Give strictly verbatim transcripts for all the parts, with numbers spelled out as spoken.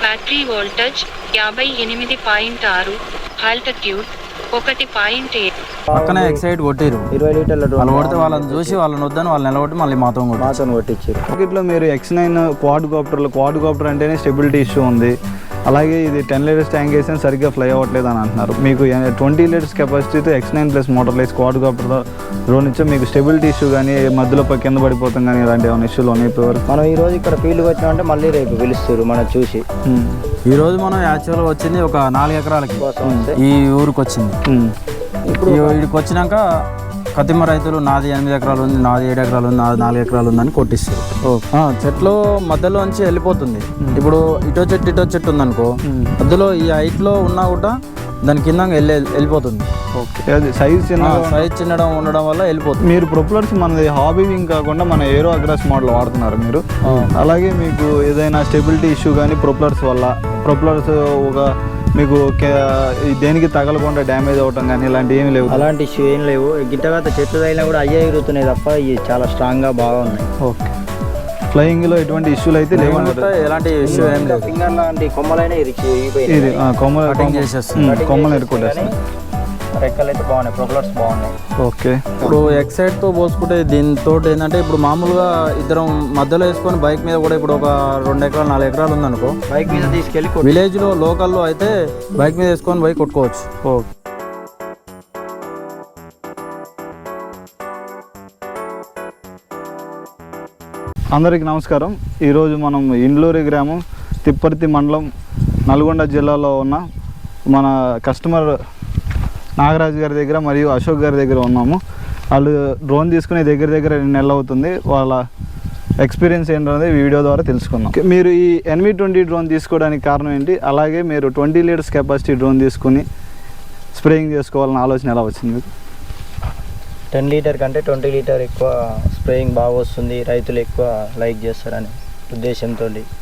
Battery voltage యాభై ఎనిమిది point ఆరు, ఆల్టిట్యూడ్ ఒకటి పాయింట్ ఏడు. పక్కనే ఎక్సైడ్ కొట్టిరు ఇరవై లీటర్ల వాళ్ళు కొడితే వాళ్ళని చూసి వాళ్ళని వద్దని వాళ్ళు నిలబట్టి మళ్ళీ మాతో మాతో కొట్టించారు. మార్కెట్లో మీరు ఎక్స్ నైన్ క్వాడ్ కాప్టర్లు క్వాడ్ కాప్టర్ అంటేనే స్టెబిలిటీ ఇష్యూ ఉంది, అలాగే ఇది టెన్ లీటర్స్ ట్యాంక్ వేసినా సరిగ్గా ఫ్లై అవ్వట్లేదు అని అంటున్నారు. మీకు ట్వంటీ లీటర్స్ కెపాసిటీతో X nine plus motorize quad copter drone ఇచ్చా మీకు స్టెబిలిటీ ఇష్యూ కానీ మధ్యలో కింద పడిపోతాం కానీ ఇలాంటి ఏమైనా ఇష్యూలు ఉన్నాయి ఇప్పటివరకు? మనం ఈ రోజు ఇక్కడ ఫీల్డ్కి వచ్చినామంటే మళ్ళీ రేపు పిలుస్తారు మనం చూసి. ఈ రోజు మనం యాక్చువల్గా వచ్చింది ఒక నాలుగు ఎకరాలకి ఈ ఊరికి వచ్చింది. ఇప్పుడు వీడికి వచ్చినాక కతిమ రైతులు నాది ఎనిమిది ఎకరాలు ఉంది, నాది ఏడు ఎకరాలు ఉంది, నాది నాలుగు ఎకరాలు ఉందని కొట్టిస్తారు. చెట్లు మధ్యలో నుంచి వెళ్ళిపోతుంది. ఇప్పుడు ఇటో చెట్టు ఇటో చెట్టు ఉందనుకో, మధ్యలో ఈ హైట్లో ఉన్నా కూడా దాని కింద వెళ్ళి వెళ్ళిపోతుంది. సైజ్ చిన్న సైజ్ చిన్నడం ఉండడం వల్ల వెళ్ళిపోతుంది. మీరు ప్రొపలర్స్ మనది హాబీ వింగ్ కాకుండా మన ఏరో అగ్రాస్ మోడల్ వాడుతున్నారు మీరు. అలాగే మీకు ఏదైనా స్టెబిలిటీ ఇష్యూ కానీ ప్రొపలర్స్ వల్ల ప్రొపలర్స్ ఒక మీకు దేనికి తగలకుండా డ్యామేజ్ అవ్వటం కానీ ఇలాంటి ఏమి లేవు? అలాంటి ఇష్యూ ఏం లేవు. గిట్టగా చెట్లు తగిలినా కూడా అయ్యే ఎగురుతున్నాయి తప్ప ఇవి చాలా స్ట్రాంగ్గా బాగా ఉన్నాయి. ఓకే, ఫ్లయింగ్లో ఎటువంటి ఇష్యూలు అయితే లేవు, ఎలాంటి ఇష్యూ ఏం లేదు. ఫింగర్ లాంటి కొమ్మలైనా ఇది కొమ్మలు కొమ్మలు ఎరుకుంటేస్తాయి. రెక్కలు అయితే బాగున్నాయి, ప్రొపలర్స్ బాగున్నాయి. ఓకే, ఇప్పుడు ఎక్సైడ్తో పోల్చుకుంటే దీంతో ఏంటంటే ఇప్పుడు మామూలుగా ఇద్దరం మధ్యలో వేసుకొని బైక్ మీద కూడా ఇప్పుడు ఒక రెండు ఎకరాలు నాలుగు ఎకరాలు ఉందనుకో, బైక్ మీద తీసుకెళ్ళి విలేజ్లో లోకల్లో అయితే బైక్ మీద వేసుకొని బైక్ కొట్టుకోవచ్చు. ఓకే, అందరికీ నమస్కారం. ఈరోజు మనం ఇండ్లూరి గ్రామం తిప్పర్తి మండలం నల్గొండ జిల్లాలో ఉన్న మన కస్టమర్ నాగరాజు గారి దగ్గర మరియు అశోక్ గారి దగ్గర ఉన్నాము. వాళ్ళు డ్రోన్ తీసుకునే దగ్గర దగ్గర రెండు నెలలు అవుతుంది. వాళ్ళ ఎక్స్పీరియన్స్ ఏంటనేది వీడియో ద్వారా తెలుసుకుందాం. మీరు ఈ ఎన్వి ట్వంటీ డ్రోన్ తీసుకోవడానికి కారణం ఏంటి, అలాగే మీరు ట్వంటీ లీటర్స్ కెపాసిటీ డ్రోన్ తీసుకుని స్ప్రేయింగ్ చేసుకోవాలని ఆలోచన ఎలా వచ్చింది మీకు? టెన్ లీటర్ కంటే ట్వంటీ లీటర్ ఎక్కువ స్ప్రేయింగ్ బాగా వస్తుంది, రైతులు ఎక్కువ లైక్ చేస్తారనే ఉద్దేశంతో,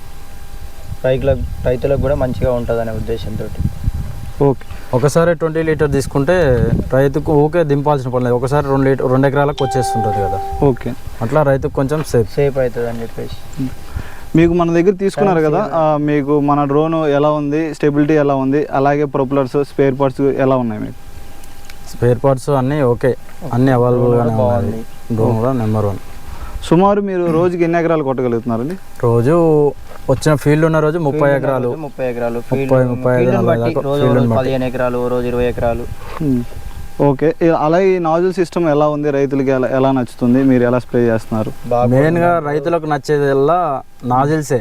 రైతులకు రైతులకు కూడా మంచిగా ఉంటుందనే ఉద్దేశంతో. ఓకే, ఒకసారి ట్వంటీ లీటర్ తీసుకుంటే రైతుకు ఓకే దింపాల్సిన పని లేదు, ఒకసారి రెండు లీటర్ రెండు ఎకరాలకు వచ్చేస్తుంటుంది కదా. ఓకే, అట్లా రైతుకు కొంచెం సేఫ్ సేఫ్ అవుతుంది అని చెప్పేసి. మీకు మన దగ్గర తీసుకున్నారు కదా, మీకు మన డ్రోన్ ఎలా ఉంది, స్టెబిలిటీ ఎలా ఉంది, అలాగే ప్రొపలర్స్ స్పేర్ పార్ట్స్ ఎలా ఉన్నాయి మీకు? స్పేర్ పార్ట్స్ అన్నీ ఓకే, అన్నీ అవైలబుల్గానే ఉన్నాయి. డ్రోన్ కూడా నెంబర్ వన్. సుమారు మీరు రోజుకి ఎన్ని ఎకరాలు కొట్టగలుగుతున్నారండి? రోజు వచ్చిన ఫీల్డ్ ఉన్న రోజు ముప్పై ఎకరాలు ముప్పై ఎకరాలు ముప్పై ముప్పై పదిహేను ఎకరాలు, రోజు ఇరవై ఎకరాలు. ఓకే, అలాగే ఈ నాజుల్ సిస్టమ్ ఎలా ఉంది, రైతులకి ఎలా ఎలా నచ్చుతుంది, మీరు ఎలా స్ప్రే చేస్తున్నారు? మెయిన్గా రైతులకు నచ్చేది ఎలా నాజిల్సే.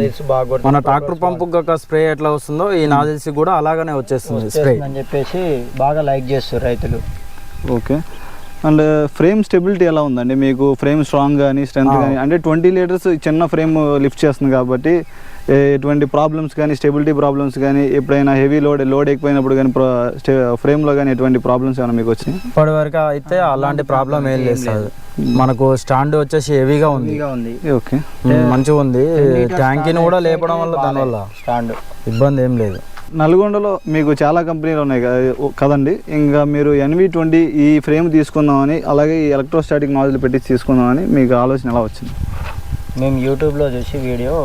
మన ట్రాక్టర్ పంపు స్ప్రే ఎట్లా వస్తుందో ఈ నాజిల్స్ కూడా అలాగనే వచ్చేస్తుంది స్ప్రే అని చెప్పేసి బాగా లైక్ చేస్తారు రైతులు. ఓకే, అండ్ ఫ్రేమ్ స్టెబిలిటీ ఎలా ఉందండి మీకు? ఫ్రేమ్ స్ట్రాంగ్ కానీ స్ట్రెంత్ కానీ, అంటే ట్వంటీ లీటర్స్ చిన్న ఫ్రేమ్ లిఫ్ట్ చేస్తుంది కాబట్టి ఎటువంటి ప్రాబ్లమ్స్ కానీ స్టెబిలిటీ ప్రాబ్లమ్స్ కానీ ఎప్పుడైనా హెవీ లోడ్ లోడ్ ఎక్కువైనప్పుడు కానీ ఫ్రేమ్లో కానీ ఎటువంటి ప్రాబ్లమ్స్ ఏమైనా మీకు వచ్చినాయి? ఇప్పటి వరకు అయితే అలాంటి ప్రాబ్లం ఏం లేదు సార్. మనకు స్టాండ్ వచ్చేసి హెవీగా ఉంది. ఓకే, మంచిగా ఉంది. ట్యాంకీని కూడా లేపడం వల్ల దానివల్ల స్టాండ్ ఇబ్బంది ఏం లేదు. నల్గొండలో మీకు చాలా కంపెనీలు ఉన్నాయి కదండి, ఇంకా మీరు ఎన్వి ట్వంటీ ఈ ఫ్రేమ్ తీసుకుందామని అలాగే ఈ ఎలక్ట్రోస్టాటిక్ నాజిల్ పెట్టి తీసుకుందామని మీకు ఆలోచన ఎలా వచ్చింది? మేము యూట్యూబ్లో చూసి వీడియో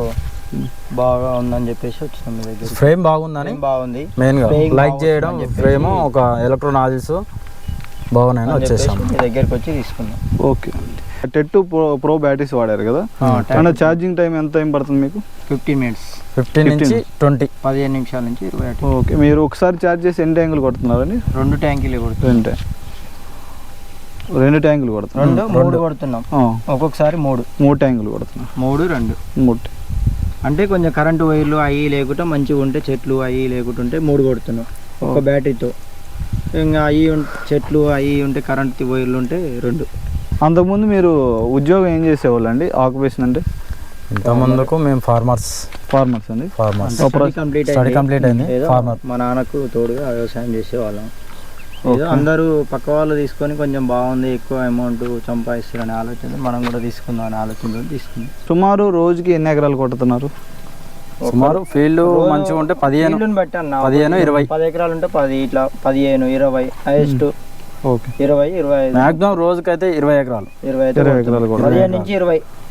బాగా ఉందని చెప్పేసి వచ్చినాం మీ దగ్గర. ఫ్రేమ్ బాగుందని బాగుంది మెయిన్గా లైక్ చేయడం, ఫ్రేమ్ ఒక ఎలక్ట్రో నాజిల్స్ బాగున్నాయని వచ్చేసాం మీ దగ్గరికి వచ్చి తీసుకున్నాం. ఓకే, టెట్ ప్రో ప్రో బ్యాటరీస్ వాడారు కదా, అంటే ఛార్జింగ్ టైం ఎంత టైం పడుతుంది మీకు? ఫిఫ్టీన్ మినిట్స్ ఫిఫ్టీన్ నుంచి ట్వంటీ పదిహేను నిమిషాల నుంచి ఇరవై. ఓకే, మీరు ఒకసారి ఛార్జ్ చేసి ఎన్ని ట్యాంకులు కొడుతున్నారండి? రెండు ట్యాంకులు కొడుతున్నాం. రెండు రెండు ట్యాంకులు కొడుతున్నాం. రెండు మూడు కొడుతున్నాం, ఒక్కొక్కసారి మూడు మూడు ట్యాంకులు కొడుతున్నాం. మూడు రెండు మూడు అంటే కొంచెం కరెంటు వైర్లు అవి లేకుండా మంచిగా ఉంటే చెట్లు అవి లేకుండా ఉంటే మూడు కొడుతున్నాం ఒక బ్యాటరీతో. ఇంకా అవి చెట్లు అవి ఉంటే కరెంట్ వైర్లు ఉంటే రెండు. అంతకుముందు మీరు ఉద్యోగం ఏం చేసేవాళ్ళు అండి? ఆక్యుపేషన్ అంటే ఇంతకుముందుకు మేము ఫార్మర్స్ ఫార్మర్స్ అండి ఫార్మర్స్ కంప్లీట్ స్టడీ కంప్లీట్ అయింది. ఫార్మర్ మా నాన్నకు తోడుగా వ్యవసాయం చేసేవాళ్ళం. అందరూ పక్క వాళ్ళు తీసుకొని కొంచెం బాగుంది, ఎక్కువ అమౌంట్ సంపాదిస్తారనే ఆలోచన మనం కూడా తీసుకుందాం అనే ఆలోచనతో తీసుకుందాం. సుమారు రోజుకి ఎన్ని ఎకరాలు కొడుతున్నారు? సుమారు ఫీల్డ్ మంచిగా ఉంటే పదిహేను బట్టి అన్న పదిహేను ఇరవై పది ఎకరాలు ఉంటే పది, ఇట్లా పదిహేను ఇరవై హైయెస్ట్. ఓకే, ఇరవై ఇరవై మాక్సిమం రోజుకైతే ఇరవై ఎకరాలు ఇరవై ఇరవై ఎకరాలు పదిహేను నుంచి ఇరవై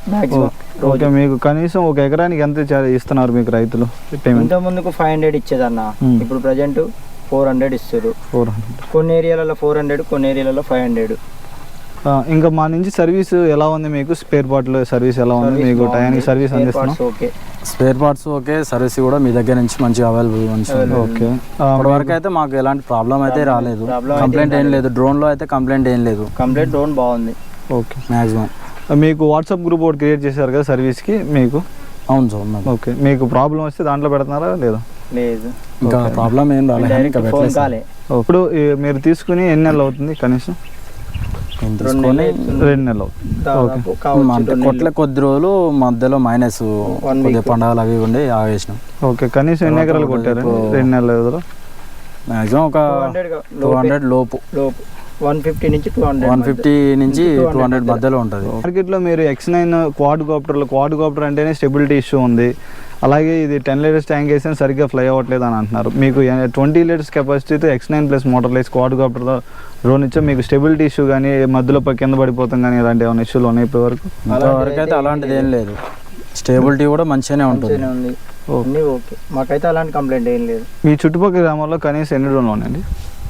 మ్యాక్సిమం ఓకే, మీకు కనీసం ఒక ఎకరానికి ఎంత చా- ఇస్తున్నారు మీకు రైతులు పేమెంట్? ఇంత ముందుకు ఫైవ్ హండ్రెడ్ ఇచ్చేదన్న, Hmm. ఇప్పుడు ప్రజెంట్ ఫోర్ హండ్రెడ్ ఇస్తారు. ఫోర్ హండ్రెడ్ కొన్ని ఏరియాలలో ఫోర్ హండ్రెడ్ కొన్ని ఏరియాలలో ఫైవ్ హండ్రెడ్. ఇంకా మా నుంచి సర్వీస్ ఎలా ఉంది మీకు? స్పేర్ పార్ట్లు సర్వీస్ ఎలా ఉంది మీకు? టైంకి సర్వీస్ అందిస్తున్నాం? Okay, spare parts okay, service కూడా మీ దగ్గర నుంచి మంచిగా అవైలబుల్ ఉంది. ఓకే, ఇప్పటి వరకు అయితే మాకు ఎలాంటి ప్రాబ్లం అయితే రాలేదు. Problem అయితే కంప్లైంట్ ఏం లేదు. డ్రోన్ లో అయితే కంప్లైంట్ ఏం లేదు. కంప్లీట్ డ్రోన్ బాగుంది. ఓకే, మాక్సిమం మీకు వాట్సాప్ గ్రూప్ ఒకటి క్రియేట్ చేశారు కదా సర్వీస్కి మీకు? అవును సార్ ఉన్నది. ఓకే, మీకు ప్రాబ్లం వస్తే దాంట్లో పెడుతున్నారా లేదా? లేదు, ఇంకా ప్రాబ్లం ఏం రాలేదు కానీ ఇంకా ఫోన్ పెట్టలేదు సార్. కాలే. ఇప్పుడు ఈ మీరు తీసుకుని ఎన్ని నెలలు అవుతుంది కనీసం? నేను రెండు తీసుకొని నెలలు అవుతుంది. రెండు నెలలు అవుతుంది. దాదాపు కావచ్చు అంటే రెండు కొట్ల కొద్ది రోజులు మధ్యలో మైనస్ One కొద్దిగా week. పండగలు అవి ఉండి ఆగేసినాం. ఓకే, కనీసం ఎన్ని తర్వాత ఎకరాలు కొట్టారు ఇప్పుడు- రెండు నెలల వ్యవధిలో? మాక్సిమం ఒక టూ హండ్రెడ్ టూ హండ్రెడ్ లోపు, లోపు వన్ ఫిఫ్టీ నుంచి టూ హండ్రెడ్ వన్ ఫిఫ్టీ నుంచి two hundred టూ హండ్రెడ్ మధ్యలో ఉంటుంది. మార్కెట్లో మీరు ఎక్స్ నైన్ క్వాడ్ కాప్టర్లు, క్వాడ్ కాప్టర్ అంటేనే స్టెబిలిటీ ఇష్యూ ఉంది. అలాగే ఇది టెన్ లీటర్స్ ట్యాంక్ వేసినా సరిగ్గా ఫ్లై అవ్వట్లేదు అని అంటున్నారు. మీకు ట్వంటీ లీటర్స్ కెపాసిటీతో X nine plus motorize quad కాప్టర్తో డ్రోన్ ఇచ్చా మీకు స్టెబిలిటీ ఇష్యూ కానీ మధ్యలో పై కింద పడిపోతాం కానీ ఇలాంటి ఏమైనా ఇష్యూలు ఉన్నాయి ఇప్పటి వరకు? ఇంతవరకు అయితే అలాంటిది ఏం లేదు. స్టేబిలిటీ కూడా మంచిగానే ఉంటుంది. ఉంది. అన్నీ ఓకే, మాకైతే అలాంటి కంప్లైంట్ ఏం లేదు. మీ చుట్టుపక్కల గ్రామాల్లో కనీసం ఎన్ని డ్రోన్లు ఉన్నాయండి?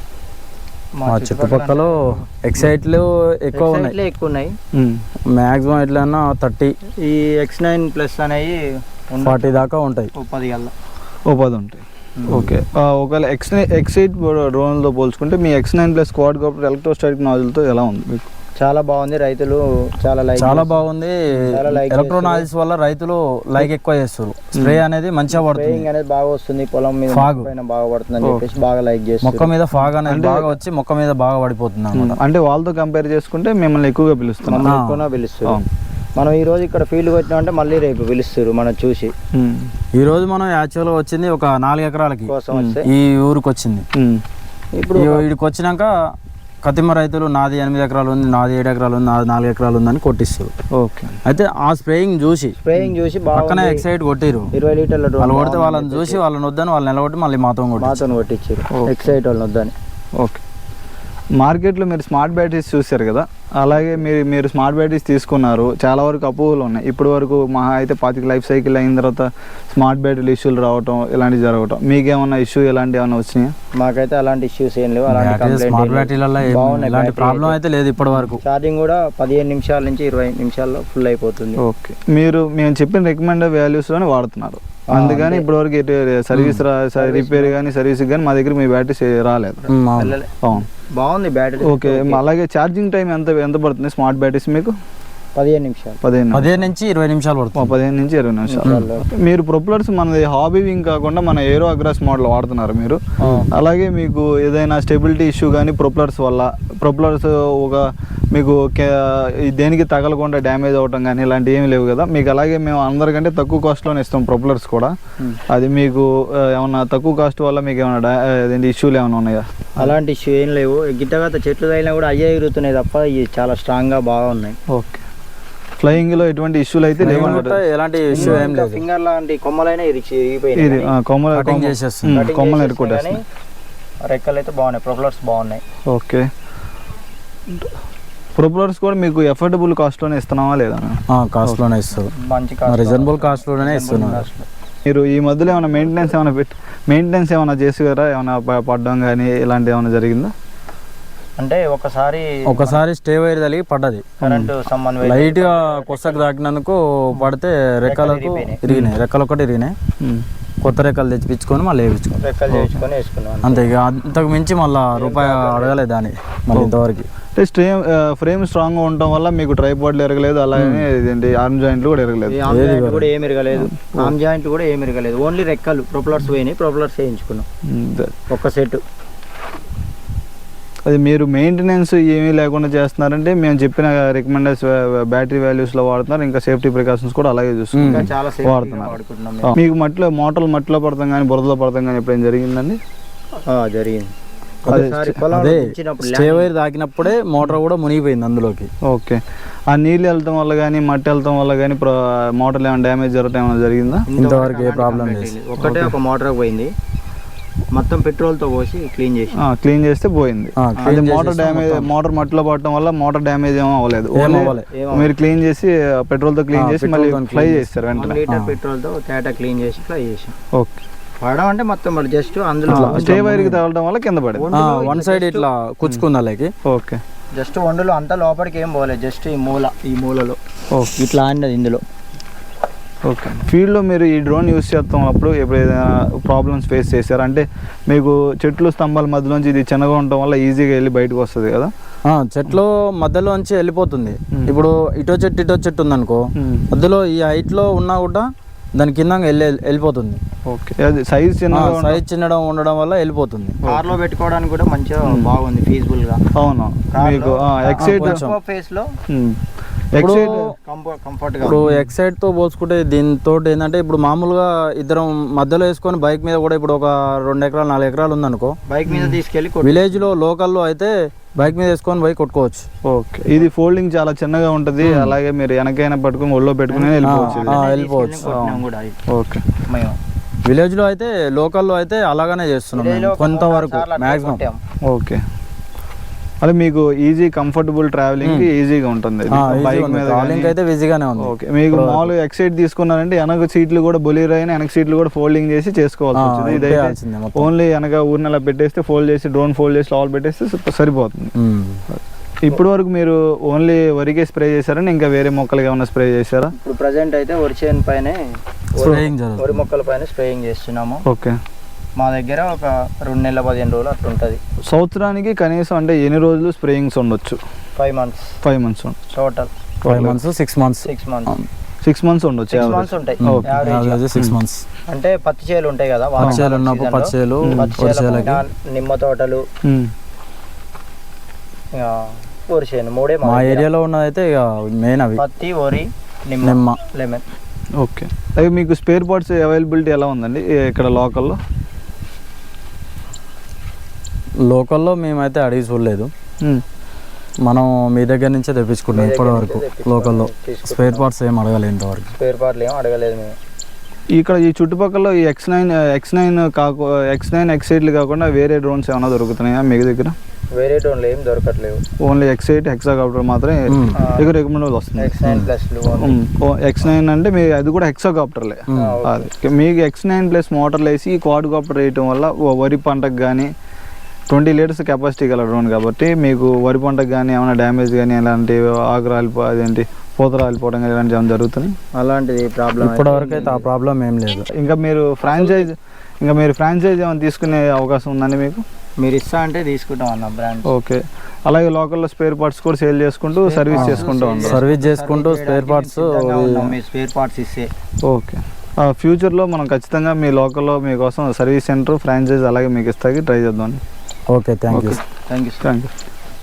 మా చుట్టుపక్కల ఎక్సైట్లు ఎక్కువ ఉన్నాయి. Excite లే ఎక్కువ ఉన్నాయి. మ్యాక్సిమం ఎట్లన్నా థర్టీ ఈ ఎక్స్ నైన్ ప్లస్ అనేవి ఫార్టీ దాకా ఉంటాయి. ఓ పది గల్లా. ఓ పది ఉంటాయి. ఓకే, ఒకవేళ ఎక్స్ నైన్ ఎక్స్ ఎయిట్ డ్రోన్లతో పోల్చుకుంటే మీ X nine plus quad copter electrostatic నాజిల్తో ఎలా ఉంది మీకు? చాలా బాగుంది, రైతులు చాలా లైక్ చాలా బాగుంది. చాలా like ఎలక్ట్రోనాయిస్ వల్ల రైతులు లైక్ ఎక్కువ చేస్తారు. స్ప్రే అనేది మంచిగా పడుతుంది. స్ప్రేయింగ్ అనేది బాగా వస్తుంది, పొలం మీద Fog. పైన బాగా పడుతుంది అని చెప్పేసి బాగా లైక్ మొక్క చేస్తారు. మీద ఫాగ్ అనేది బాగా వచ్చి మొక్క మీద బాగా పడిపోతుంది అన్నమాట. అంటే వాళ్ళతో కంపేర్ చేసుకుంటే మిమ్మల్ని ఎక్కువగా పిలుస్తున్నాం. మమ్మల్ని ఎక్కువ పిలుస్తారు. మనం ఈ రోజు ఇక్కడ ఫీల్డ్ వచ్చినా అంటే మళ్ళీ రేపు పిలుస్తారు మనం చూసి. ఈ రోజు మనం యాక్చువల్గా వచ్చింది ఒక నాలుగు ఎకరాలకి కోసం వస్తే ఈ ఊరికి వచ్చింది. ఇప్పుడు ఈ వీడికి వచ్చినాక కతిమ రైతులు నాది ఎనిమిది ఎకరాలు ఉంది, నాది ఏడు ఎకరాలు ఉంది, నాది నాలుగు ఎకరాలు ఉందని కొట్టిస్తారు. ఓకే, అయితే ఆ స్ప్రేయింగ్ చూసి స్ప్రేయింగ్ చూసి పక్కనే బాగా ఎక్సైట్ కొట్టిరు. ఇరవై లీటర్ల వాళ్ళు కొడితే వాళ్ళని చూసి వాళ్ళని వద్దని వాళ్ళు నిలబట్టి మళ్ళీ మాతో కొట్టి మాతో కొట్టించారు. ఎక్సైట్ వాళ్ళు వద్దని. ఓకే. మార్కెట్లో మీరు స్మార్ట్ బ్యాటరీస్ చూశారు కదా, అలాగే మీరు మీరు స్మార్ట్ బ్యాటరీస్ తీసుకున్నారు, చాలా వరకు అపోహలు ఉన్నాయి. ఇప్పటి వరకు మహా అయితే పాతిక లైఫ్ సైకిల్ అయిన తర్వాత స్మార్ట్ బ్యాటరీలు ఇష్యూలు రావటం ఇలాంటివి జరగటం, మీకేమన్నా ఇష్యూ ఇలాంటివి ఏమైనా వచ్చినాయా? మాకైతే అలాంటి ఇష్యూస్ ఏం లేవు, అలాంటి స్మార్ట్ కంప్లైంట్ బ్యాటరీలలో ఇలాంటి ప్రాబ్లం అయితే లేదు ఇప్పటి వరకు. ఛార్జింగ్ కూడా పదిహేను నిమిషాల నుంచి ఇరవై నిమిషాల్లో ఫుల్ అయిపోతుంది. ఓకే, మీరు మేము చెప్పిన రికమెండెడ్ వాల్యూస్లోనే వాడుతున్నారు, అందుకని ఇప్పటివరకు సర్వీస్ రిపేర్ కానీ సర్వీస్ కానీ మా దగ్గర మీ బ్యాటరీస్ రాలేదు. ఉమ్, అవును. వెళ్ళలే. అవును, బాగుంది బ్యాటరీ. ఓకే. అలాగే ఛార్జింగ్ టైం ఎంత ఎంత పడుతుంది స్మార్ట్ బ్యాటరీస్ మీకు? పదిహేను నిమిషాలు పదిహేను పదిహేను నుంచి ఇరవై నిమిషాలు ఓ, పడుతుంది. పదిహేను నుంచి ఇరవై నిమిషాలు. మీరు ప్రొపలర్స్ మనది హాబీ వింగ్ కాకుండా మన ఏరో అగ్రాస్ మోడల్ వాడుతున్నారు మీరు. అలాగే మీకు ఏదైనా స్టెబిలిటీ ఇష్యూ కానీ ప్రొపలర్స్ వల్ల ప్రొపలర్స్ ఒక మీకు దేనికి తగలకుండా డ్యామేజ్ అవ్వటం కానీ ఇలాంటివి ఏమి లేవు కదా మీకు? అలాగే మేము అందరికంటే తక్కువ కాస్ట్లోనే ఇస్తాం ప్రొపలర్స్ కూడా. అది మీకు ఏమన్నా తక్కువ కాస్ట్ వల్ల మీకు ఏమైనా అదేంటి ఇష్యూలు ఏమైనా ఉన్నాయా? అలాంటి ఇష్యూ ఏం లేవు. గిట్టగత చెట్లు తగిలినా కూడా అయ్యే ఎగురుతున్నాయి తప్ప ఇవి చాలా స్ట్రాంగ్గా బాగా ఉన్నాయి. ఓకే, ఫ్లయింగ్లో ఎటువంటి ఇష్యూలు అయితే లేవు అన్నమాట. ఎలాంటి ఇష్యూ ఏం లేదు. ఫింగర్ లాంటి కొమ్మలైనా ఇరిచి ఇరిగిపోయినాయి ఇది కానీ కొమ్మల కటింగ్ చేసేస్తుంది. ఉమ్, cutting కొమ్మలు చేసేసినాయి ఎరుకొట్టేస్తాయి. కానీ రెక్కలు అయితే బాగున్నాయి, ప్రొపలర్స్ బాగున్నాయి. ఓకే, ప్రొపలర్స్ కూడా మీకు ఎఫోర్డబుల్ కాస్ట్లోనే ఇస్తున్నావా లేదా? కాస్ట్ లోనే ఇస్తారు, మంచి రీజనబుల్ కాస్ట్ లోనే ఇస్తున్నారు. మీరు ఈ మధ్యలో ఏమైనా మెయింటెనెన్స్ ఏమైనా పెట్టి మెయింటెనెన్స్ ఏమైనా చేసారా? ఏమైనా ప- పడ్డం కానీ ఇలాంటివి ఏమైనా జరిగిందా? అంటే ఒకసారి ఒకసారి స్టే వైర్ తగిలి పడ్డది. కరెంటు సంబంధం లైట్ గా కొసకు తాకినందుకు పడితే రెక్కలకు ఇరిగినాయి, రెక్కలు ఒకటి ఇరిగినాయి. ఉమ్. కొత్త రెక్కలు తెచ్చిపించుకొని మళ్ళీ వేయించుకోండి రెక్కలు చేయించుకొని వేసుకున్నాం. అంతే. ఇక అంతకు మించి మళ్ళీ రూపాయి అడగలేదు దాన్ని మళ్ళీ ఇంతవరకు. అంటే స్ట్రేమ్ ఫ్రేమ్ స్ట్రాంగ్గా ఉండటం వల్ల మీకు ట్రైపాడ్లు ఎరగలేదు, అలాగే ఇదేంటి ఆర్మ్ జాయింట్లు కూడా ఎరగలేదు. ఈ ఆర్మ్ జాయింట్ కూడా ఏమి ఇరగలేదు, ఆర్మ్ జాయింట్ కూడా ఏమి ఇరగలేదు. ఓన్లీ రెక్కలు ప్రొపలర్స్ పోయినాయి, ప్రొపలర్స్ వేయించుకున్నాం ఒక్క సెట్. అది మీరు మెయింటెనెన్స్ ఏమీ లేకుండా చేస్తున్నారంటే మేము చెప్పిన రికమెండెడ్ బ్యాటరీ వాల్యూస్లో వాడుతున్నారు, ఇంకా సేఫ్టీ ప్రికాషన్స్ కూడా అలాగే ఇంకా చూస్తున్నారు చాలా సేఫ్టీగా వాడుతున్నారు. వాడుకుంటున్నాం ఆ, మీకు మట్టిలో మోటార్లు మట్టిలో పడతాం కానీ బురదలో పడతాం కానీ ఎప్పుడైనా జరిగిందండి? ఆ, జరిగింది. అదే ఒకసారి పొలంలో అదే దించినప్పుడు స్టే వైర్ తాకినప్పుడే మోటార్ కూడా మునిగిపోయింది అందులోకి. ఓకే, ఆ నీళ్ళు వెళ్తాం వల్ల కానీ మట్టి వెళ్తాం వల్ల కానీ మోటార్లు ఏమైనా డ్యామేజ్ జరగటం ఏమైనా జరిగిందా? ఇంతవరకు ఏ ప్రాబ్లం లేదు. ఒకటే ఒక మోటార్ పోయింది, మొత్తం పెట్రోల్తో పోసి క్లీన్ చేసి క్లీన్ చేస్తే పోయింది. ఆ, అది clean మోటార్ చేసేసి డ్యామేజ్, మొత్తం. మోటార్ మట్టిలో పడటం వల్ల మోటార్ డ్యామేజ్ ఏమో అవ్వలేదు. ఏం Only అవ్వలే. మీరు క్లీన్ చేసి పెట్రోల్తో క్లీన్ ఆ, చేసి petrol మళ్ళీ తోని ఫ్లై clean చేస్తారు వన్ వెంటనే. లీటర్ పెట్రోల్తో తేట క్లీన్ చేసి ఫ్లై చేసాం. ఓకే. పడడం అంటే మొత్తం మరి జస్ట్ అందులో స్టే వైర్కి తగలడం వల్ల కింద పడింది. వన్ సైడ్ ఇట్లా కుచ్చుకుంది అలాగే. ఓకే. జస్ట్ వండులో అంతా లోపలికి ఏం పోలేదు, జస్ట్ ఈ మూల ఈ మూలలో ఓకే. ఇట్లా ఆడినది ఇందులో. ఓకే. ఫీల్డ్లో మీరు ఈ డ్రోన్ యూస్ చేస్తున్నప్పుడు ఎప్పుడు ఏదైనా ప్రాబ్లమ్స్ ఫేస్ చేశారు అంటే మీకు చెట్లు స్తంభాల మధ్యలోంచి ఇది చిన్నగా ఉండటం వల్ల ఈజీగా వెళ్ళి బయటకు వస్తుంది కదా? ఆ, చెట్లు మధ్యలోంచి వెళ్ళిపోతుంది. ఇప్పుడు ఇటో చెట్టు ఇటో చెట్టు ఉందనుకో, మధ్యలో ఈ హైట్ లో ఉన్నా కూడా దాని కింద వెళ్ళి వెళ్ళిపోతుంది. ఓకే. అది సైజ్ చిన్న సైజ్ చిన్నడం ఉండడం వల్ల వెళ్ళిపోతుంది. కార్లో పెట్టుకోవడానికి కూడా మంచిగా బాగుంది, ఫీజిబుల్ గా. అవును. మీకు ఎక్సైట్ ఫేస్ లో ఎక్సైట్ కంఫర్ట్ గా. ఇప్పుడు ఎక్సైట్ తో పోల్చుకుంటే దీంతో ఏంటంటే ఇప్పుడు మామూలుగా ఇద్దరం మధ్యలో వేసుకొని బైక్ మీద కూడా ఇప్పుడు ఒక రెండు ఎకరాలు నాలుగు ఎకరాలు ఉందనుకో, బైక్ మీద తీసుకెళ్లి విలేజ్ లో లోకల్లో అయితే బైక్ మీద వేసుకొని బైక్ కొట్టుకోవచ్చు. ఓకే. ఇది ఫోల్డింగ్ చాలా చిన్నగా ఉంటుంది, అలాగే మీరు వెనకైనా పట్టుకుని ఒళ్ళో పెట్టుకుని వెళ్ళిపోవచ్చు. వెళ్ళిపోవచ్చు. ఓకే. విలేజ్ లో అయితే లోకల్లో అయితే అలాగనే చేస్తున్నాం మేము కొంతవరకు మాక్సిమం. ఓకే. అదే మీకు ఈజీ కంఫర్టబుల్ ట్రావెలింగ్ ఈజీగా ఉంటుంది బైక్ మీద. ట్రావెలింగ్ అయితే ఈజీగానే ఉంది. ఓకే. మీకు మామూలుగా ఎక్సైట్ తీసుకున్నారంటే వెనక సీట్లు కూడా బొలీరో అయినా వెనక సీట్లు కూడా ఫోల్డింగ్ చేసి చేసుకోవాల్సి వచ్చింది. ఇదైతే ఓన్లీ వెనక ఊరిని అలా పెట్టేస్తే ఫోల్డ్ చేసి డ్రోన్ ఫోల్డ్ చేసి లోపల పెట్టేస్తే సరిపోతుంది. ఇప్పటి వరకు మీరు ఓన్లీ వరికే స్ప్రే చేశారని ఇంకా వేరే మొక్కలకి ఏమైనా స్ప్రే చేశారా? ఇప్పుడు ప్రజెంట్ అయితే వరి చేను పైన వరి మొక్కల పైన స్ప్రేయింగ్ చేస్తున్నాము. ఓకే. మా దగ్గర ఒక రెండు నెలల పదిహేను రోజులు అట్లా ఉంటుంది. సంవత్సరానికి కనీసం అంటే ఎన్ని రోజులు స్ప్రేయింగ్స్ ఉండొచ్చు? Five months five months total. Five months six months six months six months ఉండొచ్చు. సిక్స్ మంత్స్ ఉంటాయి సిక్స్ మంత్స్. అంటే పత్తి చేలు ఉంటాయి కదా, పత్తి చేలు ఉన్నప్పుడు పత్తి చేలు, నిమ్మ తోటలు, వరి చేను మూడే మా ఏరియాలో ఉన్నదైతే ఇక మెయిన్ అవి పత్తి, వరి, నిమ్మ, లెమన్. ఓకే. అవి మీకు స్పేర్ పార్ట్స్ అవైలబిలిటీ ఎలా ఉందండి ఇక్కడ లోకల్లో? లోకల్లో మేమైతే అడిగి చూడలేదు, మనం మీ దగ్గర నుంచే తెప్పించుకుంటాం ఇప్పటి వరకు. లోకల్లో స్పేర్ పార్ట్స్ ఏం అడగలేదు ఇంతవరకు. స్పేర్ పార్ట్లు ఏం అడగలేదు మేము. ఇక్కడ ఈ చుట్టుపక్కల ఈ ఎక్స్ నైన్ ఎక్స్ నైన్ కాకు ఎక్స్ నైన్ ఎక్స్ ఎయిట్లు కాకుండా వేరే డ్రోన్స్ ఏమైనా దొరుకుతున్నాయా మీ దగ్గర? వేరే డ్రోన్లు ఏం దొరకట్లేవు, ఓన్లీ ఎక్స్ ఎయిట్ హెక్సాకాప్టర్ మాత్రమే మీకు రికమెండ్ వస్తుంది. X nine plus X nine అంటే మీ అది కూడా హెక్సాకాప్టర్లే. అది మీకు ఎక్స్ నైన్ ప్లస్ మోటార్లు వేసి ఈ క్వాడ్ కాప్టర్ వేయటం వల్ల వరి పంటకు కానీ ట్వంటీ లీటర్స్ కెపాసిటీ గల డ్రోన్ కాబట్టి మీకు వరి పంటకు కానీ ఏమైనా డ్యామేజ్ కానీ ఇలాంటి ఆకు రాలిపో అదేంటి పూత రాలిపోవడం కానీ ఇలాంటివి ఏమైనా జరుగుతుంది? అలాంటిది ప్రాబ్లం ఇప్పటి వరకు అయితే ఆ ప్రాబ్లం ఏం లేదు. ఇంకా మీరు ఫ్రాంచైజ్ ఇంకా మీరు ఫ్రాంచైజ్ ఏమైనా తీసుకునే అవకాశం ఉందండి మీకు? మీరు ఇస్తా అంటే తీసుకుంటాం అన్న బ్రాండ్. ఓకే. అలాగే లోకల్లో స్పేర్ పార్ట్స్ కూడా సేల్ చేసుకుంటూ సర్వీస్ చేసుకుంటూ ఉంటాం. సర్వీస్ చేసుకుంటూ స్పేర్ పార్ట్స్ స్పేర్ పార్ట్స్ ఇస్తే ఓకే. ఫ్యూచర్లో మనం ఖచ్చితంగా మీ లోకల్లో మీకోసం సర్వీస్ సెంటర్ ఫ్రాంచైజ్ అలాగే మీకు ఇస్తాకి ట్రై చేద్దాం. Okay. Thank you thank you thank you